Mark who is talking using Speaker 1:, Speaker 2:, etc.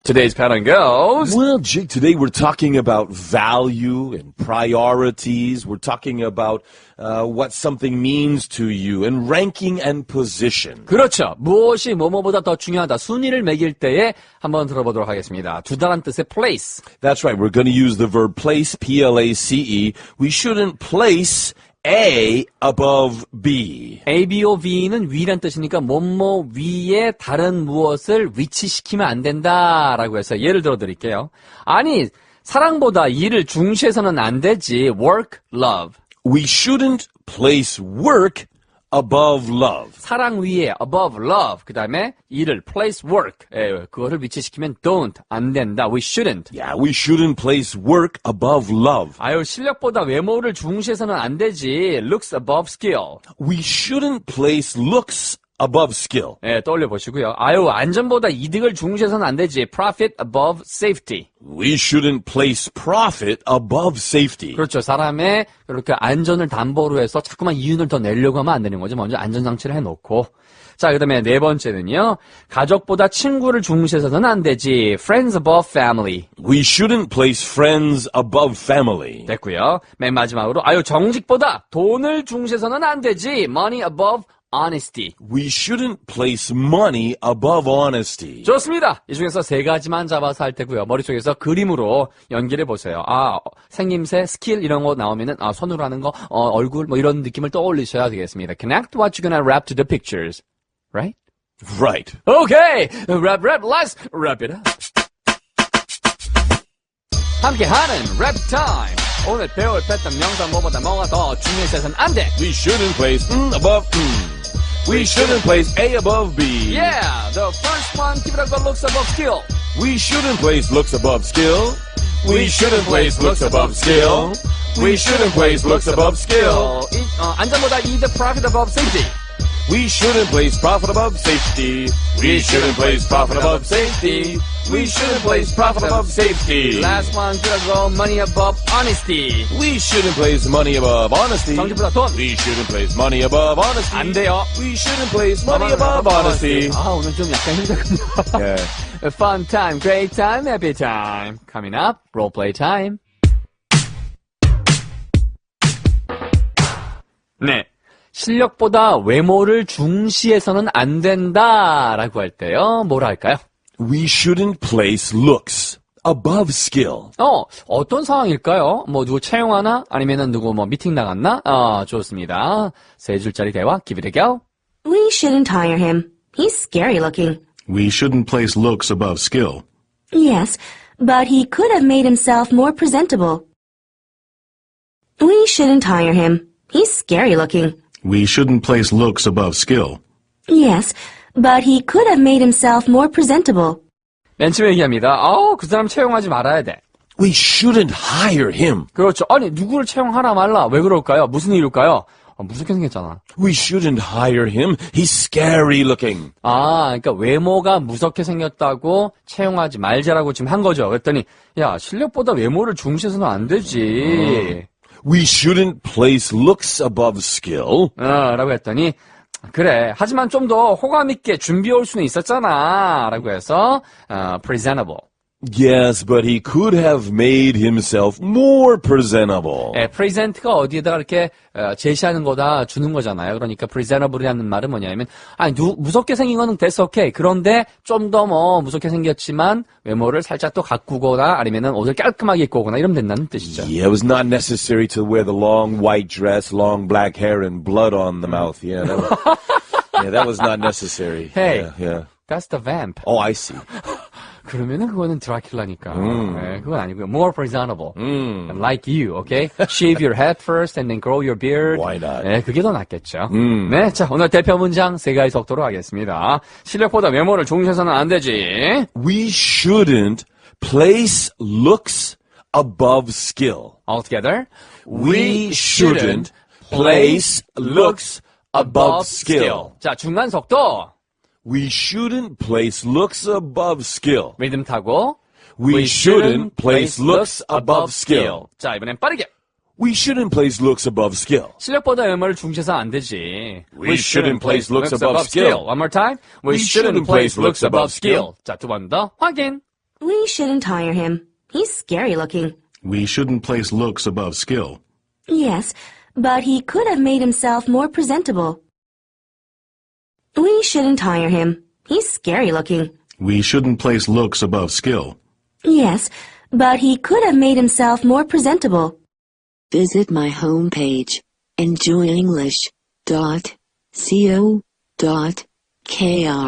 Speaker 1: Today's pattern goes.
Speaker 2: Well, Jake, today we're talking about value and priorities. We're talking about what something means to you and ranking and position.
Speaker 1: 그렇죠. 무엇이 뭐뭐보다 더 중요하다. 순위를 매길 때에 한번 들어보도록 하겠습니다. 두 다란 뜻의 place.
Speaker 2: That's right. We're going to use the verb place, P-L-A-C-E. We shouldn't place A above B.
Speaker 1: A, B, O, V는 위란 뜻이니까 뭐뭐 위에 다른 무엇을 위치시키면 안 된다라고 해서 예를 들어 드릴게요. 아니, 사랑보다 일을 중시해서는 안 되지. Work, love.
Speaker 2: We shouldn't place work above love.
Speaker 1: 사랑 위에 above love. 그 다음에 일을 place work. 그거를 위치시키면 don't. 안 된다. We shouldn't.
Speaker 2: Yeah, we shouldn't place work above love.
Speaker 1: 아유, 실력보다 외모를 중시해서는 안 되지. Looks above skill.
Speaker 2: We shouldn't place looks above skill.
Speaker 1: 떠올려 보시고요. 아유, 안전보다 이득을 중시해서는 안 되지. Profit above safety.
Speaker 2: We shouldn't place profit above safety.
Speaker 1: 그렇죠. 사람의 그렇게 안전을 담보로 해서 자꾸만 이윤을 더 내려고 하면 안 되는 거죠. 먼저 안전장치를 해놓고. 자, 그 다음에 네 번째는요. 가족보다 친구를 중시해서는 안 되지. Friends above family.
Speaker 2: We shouldn't place friends above family.
Speaker 1: 됐고요. 맨 마지막으로 아유, 정직보다 돈을 중시해서는 안 되지. Money above honesty.
Speaker 2: We shouldn't place money above honesty.
Speaker 1: 좋습니다. 이 중에서 세 가지만 잡아서 할 테고요. 머릿속에서 그림으로 연결해 보세요. 아, 생김새, 스킬 이런 거 나오면은 손으로 하는 거, 얼굴 뭐 이런 느낌을 떠올리셔야 되겠습니다. Connect what you're gonna wrap to the pictures. Right?
Speaker 2: Right.
Speaker 1: Okay. Wrap, let's wrap it up. 함께하는 랩 타임. 오늘 배울 패턴 명사 뭐보다 뭐가 더 중요해서는 안 돼.
Speaker 2: We shouldn't place above We shouldn't place A above B.
Speaker 1: Yeah, the first one, keep it up, looks above skill.
Speaker 2: We shouldn't place looks above skill. We shouldn't place looks above skill. We shouldn't place looks above skill.
Speaker 1: 안전보다 이득, profit above safety.
Speaker 2: We shouldn't place profit above safety. We shouldn't place profit above safety. We shouldn't place profit above safety.
Speaker 1: Last one, keep it up, money above honesty.
Speaker 2: We shouldn't place money above honesty.
Speaker 1: 정직보다 돈.
Speaker 2: We shouldn't place money above honesty.
Speaker 1: 안 돼요.
Speaker 2: We shouldn't place money above honesty.
Speaker 1: 아, 오늘 좀 약간 힘들군요.
Speaker 2: Yeah.
Speaker 1: Fun time, great time, happy time. Coming up, role play time. 네. 실력보다 외모를 중시해서는 안 된다라고 할 때요. 뭐라 할까요?
Speaker 2: We shouldn't place looks above skill.
Speaker 1: 어떤 상황일까요? 뭐 누구 채용하나? 아니면은 누구 뭐 미팅 나갔나? 좋습니다. 세 줄짜리 대화, give it a go.
Speaker 3: We shouldn't hire him. He's scary looking.
Speaker 4: We shouldn't place looks above skill.
Speaker 3: Yes, but he could have made himself more presentable. We shouldn't hire him. He's scary looking.
Speaker 4: We shouldn't place looks above skill.
Speaker 3: Yes, but he could have made himself more presentable.
Speaker 1: 맨 처음에 얘기합니다. 그 사람 채용하지 말아야 돼.
Speaker 2: We shouldn't hire him.
Speaker 1: 그렇죠. 아니, 누구를 채용하라 말라. 왜 그럴까요? 무슨 이유일까요? 무섭게 생겼잖아.
Speaker 2: We shouldn't hire him. He's scary looking.
Speaker 1: 그러니까 외모가 무섭게 생겼다고 채용하지 말자라고 지금 한 거죠. 그랬더니, 야, 실력보다 외모를 중시해서는 안 되지.
Speaker 2: We shouldn't place looks above skill.
Speaker 1: 라고 했더니, 그래. 하지만 좀 더 호감 있게 준비해 올 수는 있었잖아. 라고 해서, presentable.
Speaker 2: Yes, but he could have made himself more presentable.
Speaker 1: present가 어디에다가 이렇게 제시하는 거다 주는 거잖아요. 그러니까 presentable이라는 말은 뭐냐면, 무섭게 생긴 거는 됐어, 오케이. 그런데 좀 더 뭐 무섭게 생겼지만 외모를 살짝 또 가꾸거나 아니면은 옷을 깔끔하게 입고 오거나 이러면 된다는 뜻이죠.
Speaker 2: Yeah, it was not necessary to wear the long white dress, long black hair, and blood on the mouth. Yeah, that was not necessary.
Speaker 1: Hey,
Speaker 2: yeah.
Speaker 1: That's the vamp.
Speaker 2: Oh, I see.
Speaker 1: 그러면은 그거는 드라큘라니까. 네, 그건 아니고요. More presentable. Like you, okay? Shave your head first and then grow your beard.
Speaker 2: Why not?
Speaker 1: 네, 그게 더 낫겠죠. 네, 자, 오늘 대표 문장 세 가지 속도로 하겠습니다. 실력보다 외모를 중시해서는 안 되지.
Speaker 2: We shouldn't place looks above skill.
Speaker 1: All together.
Speaker 2: We shouldn't place looks above skill.
Speaker 1: 자, 중간 속도.
Speaker 2: We shouldn't place looks above skill.
Speaker 1: 리듬 타고.
Speaker 2: We shouldn't place looks above skill.
Speaker 1: 자, 이번엔 빠르게.
Speaker 2: We shouldn't place looks above skill.
Speaker 1: 실력보다 외모를 중시해서 안 되지.
Speaker 2: We shouldn't place looks above skill.
Speaker 1: One more time. We shouldn't place looks above skill. 자, 두 번 더 확인.
Speaker 3: We shouldn't hire him. He's scary looking.
Speaker 4: We shouldn't place looks above skill.
Speaker 3: Yes, but he could have made himself more presentable. We shouldn't hire him. He's scary looking.
Speaker 4: We shouldn't place looks above skill.
Speaker 3: Yes, but he could have made himself more presentable.
Speaker 5: Visit my homepage, enjoyenglish.co.kr.